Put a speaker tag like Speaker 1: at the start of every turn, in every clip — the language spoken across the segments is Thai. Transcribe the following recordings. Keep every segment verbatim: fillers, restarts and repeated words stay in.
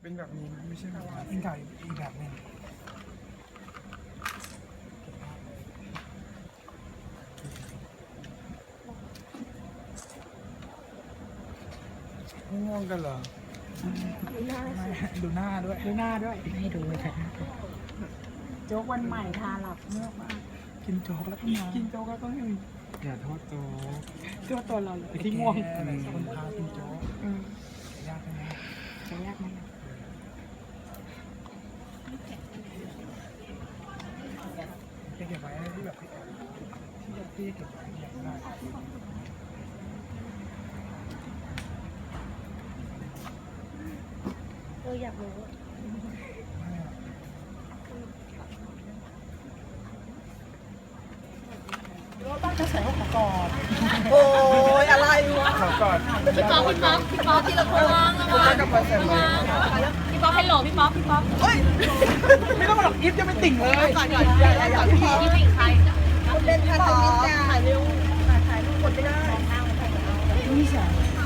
Speaker 1: เป็นแบบนี้ไม่ใช่แบบเป็นเก่าอีกแบบหนึ่งง่วงกันเหรอดูหน้าดูหน้าด้วยดูหน้าด้วยให้ดูเลยค่ะโจ๊กวันใหม่ทาหลับเมื่อมากกินโจ๊กแล้วก็นอนกินโจ๊กแล้วก็ไม่อย่าโทษโจ๊กโทษตัวเราเลยที่ง่วงคนพากินโจ๊กยากไหมจะยากไหมจะเก็บไว้ที่แบบที่แบบที่เก็บไว้อยากได้
Speaker 2: เอออยากรู้
Speaker 1: ก็ใส่ข้าวกอด
Speaker 3: โอ้ยอะไรวะ
Speaker 1: ข้าวกอด
Speaker 2: พี่ป๊อปพี่ป๊อปพี่ป๊อปที่เราโทรวางระวังระวังพี่ป๊อปให้โหลพี่ป๊อปพี่ป๊อป
Speaker 3: เฮ้ย
Speaker 1: ไม่ต้องหรอกยิบจะไม่ติ่งเลย
Speaker 3: ก่อนก่อนอย่าอย่าอย่าพี่
Speaker 2: พี่เป็นใคร
Speaker 3: คุณเล่นท่าทางนี้จ้าถ่ายเร็วถ่ายถ่ายรูปกดไม่ได้
Speaker 1: นี่ใช่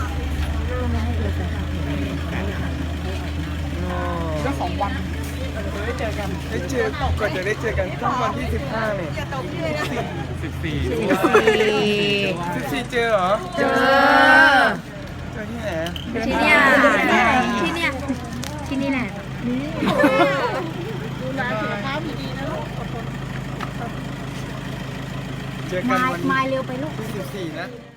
Speaker 1: ก็สองวันได้เจอกันได้เจอก่อนจะได้เจอกันต้องวันที่สิบห้าเนี่ย
Speaker 3: อย่าตกพี่เลยนะ
Speaker 1: สิบสี่สิบสี่เจอเหรอเจอเจอที่ไหน
Speaker 2: ที่เนี่ยที่เนี่ยที่นี่แหละ
Speaker 3: ดูแลสุขภาพดีๆนะลูก
Speaker 1: เจอกันวัน
Speaker 2: มาเร็วไปลูก
Speaker 1: ที่สิบสี่นะ